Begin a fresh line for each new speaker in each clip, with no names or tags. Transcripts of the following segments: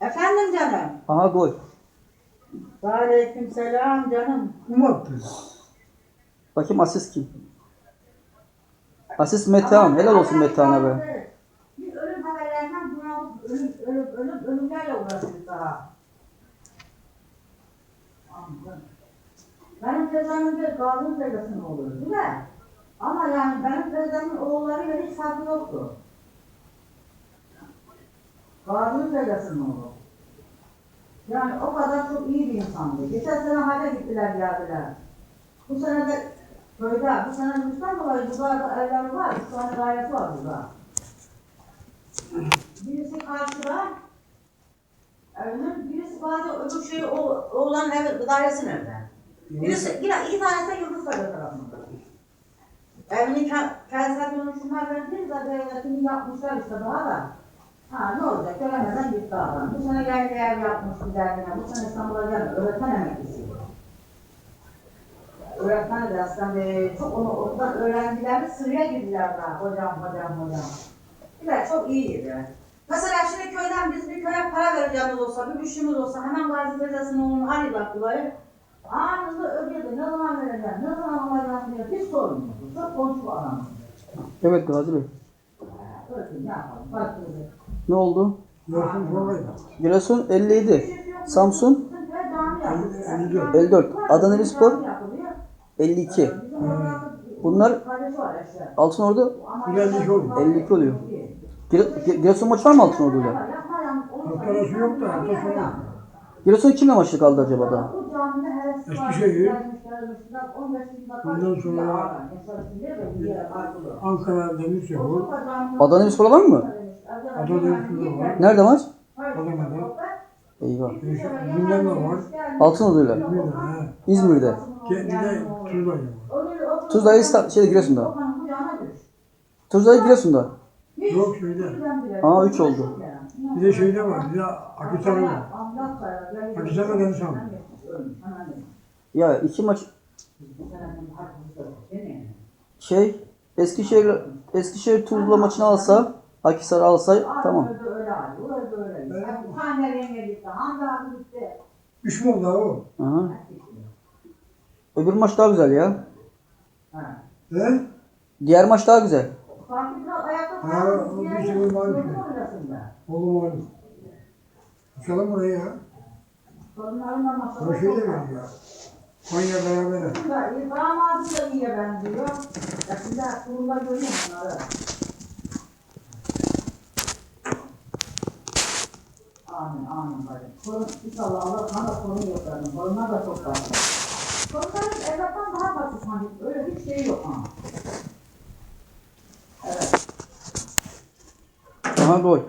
Efendim canım.
Aha gol.
Aleykümselam canım.
Kim attı?
Bakayım asist kim? Asist Metehan. Helal olsun Metehan'a be.
Biz ölüm haberlerinden bunalıp ölümlerle uğraşıyoruz daha. Benim teyzemin de Gazi'nin teyzesinin oğlu değil mi? Ama yani benim teyzemin oğullarıyla hiç farkı yoktu. Gazi'nin teyzesinin oğlu. Yani o kadar çok iyi bir insandı. Geçen sene hale gittiler geldiler. Bu sene de köyde, bu sene Rüstem dolayı burada evler var, 3 tane dairesi var burada. Birisi karşıda, evinin, birisi bazı öbür şey, oğlanın evi, dairesinin evde. Birisi, yine iki tanesi de Yıldıztepe tarafında. Evinin kendisine dönüşümler verdiği zaten devletini yapmışlar işte daha da. Ha ne olacak, göremeden gitti adam. Bu sene geldi ev yapmış güzelliğine, bu sene İstanbul'a geldi, öğretmen emeklisi. Öğretmen de aslında çok onu oradan öğrenciler sıraya girdiler daha, hocam. Evet, çok iyiydi. Mesela şimdi köyden biz bir köye para vereceğimiz olsa, bir güçlümüz olsa hemen Gazi teyzesinin oğlunu arayacak dolayı. Anında ödedi, ne zaman vereceğim, ne zaman alacağım diye hiç sormuyordu. Çok konuşup adam.
Evet Gazi Bey.
Öyle ne yapalım, bak dedi.
Ne oldu?
Yorsun formaydı.
Giresun 57. Samsun 54. Adanademirspor 52. Bunlar Altınordu
Güzellik oldu.
52 oluyor. Giresun maçı var mı Altınordu'yla?
Hafta yok da hafta sonu.
Giresun kimle maçı kaldı acaba da?
Eskişehir. Bundan sonra Ankara Demirspor.
Adanademirspor var mı?
Adana'da var.
Nerede maç?
Adana'da.
Eyvah.
Gündemde var.
Altınordu'yla.
İzmir'de. He.
İzmir'de.
Bir de Tuzla'da var.
Tuzla'yı şeyde Giresun'da. Tuzla'yı Giresun'da.
Yok şeyde.
Aa 3 oldu.
Bir de şeyde var. Bir de Akhisar'da var. Akhisar'da Denizhan.
Ya iki maç Eskişehir Tuzla maçını alsa, Akhisar alsa tamam.
3 mü oldu o?
Aha. Öbür maç daha güzel ya.
He?
Diğer maç daha güzel.
Ha, o bir şey var mı? Oğlum var. Uçalım oraya ya. O şey de veriyor. Konya beraber.
Damadı da iyiye benziyor. Şimdi kurumda görüyorum onları. Amin bacım. Korun, inşallah Allah sana da korun yoklarını. Korunlar da çok fazla. Korunların evlattan daha fazla sanki. Öyle hiç şey yok ama. Evet.
Aha gol.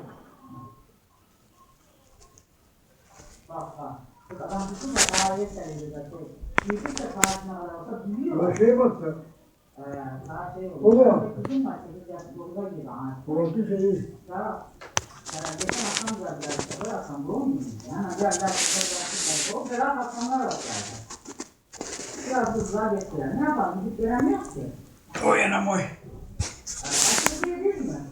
Bak. Adam bütün de tarihe seviyor da şey. Büyük de tarihine kadar olsa büyüyor.
Ona şeye baktı.
Daha şey
O
olur.
da.
Kızım var 8 yaş 9'a gibi.
Orası şeyi.
Ya, geçen akşam geldiler işte. Böyle akşam doğum günü. Yani geldiler. O kadar akşamlar var zaten. Biraz hızlığa geçtiler. Ne yapalım? Gidip göremiyoruz ki.
O yana boy.
Aşırı şey değil mi?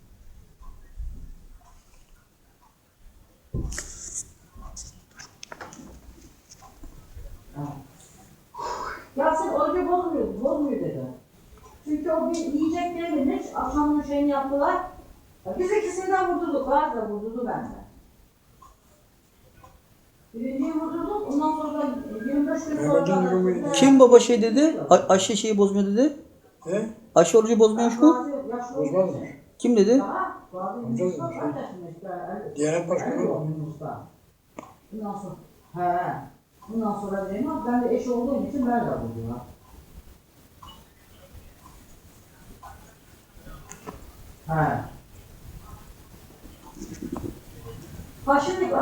Yasin orucu bozmuyor dedi. Çünkü o bir yiyecek verilmiş, akşamın şeyini yaptılar. Biz ikisinden vurdurduk, var da vurdurdu bende. Birinciyi vurdurduk, ondan sonra da 25 gün sonra...
Kim baba şey dedi? Aşı şeyi bozmuyor dedi.
He?
Aşı orucu bozmuyormuş mu?
Bozmaz mı?
Kim dedi?
Diyanet Başkanı var.
Bundan sonra dedim ama ben de eş olduğum için ben de buldum. He. Şimdi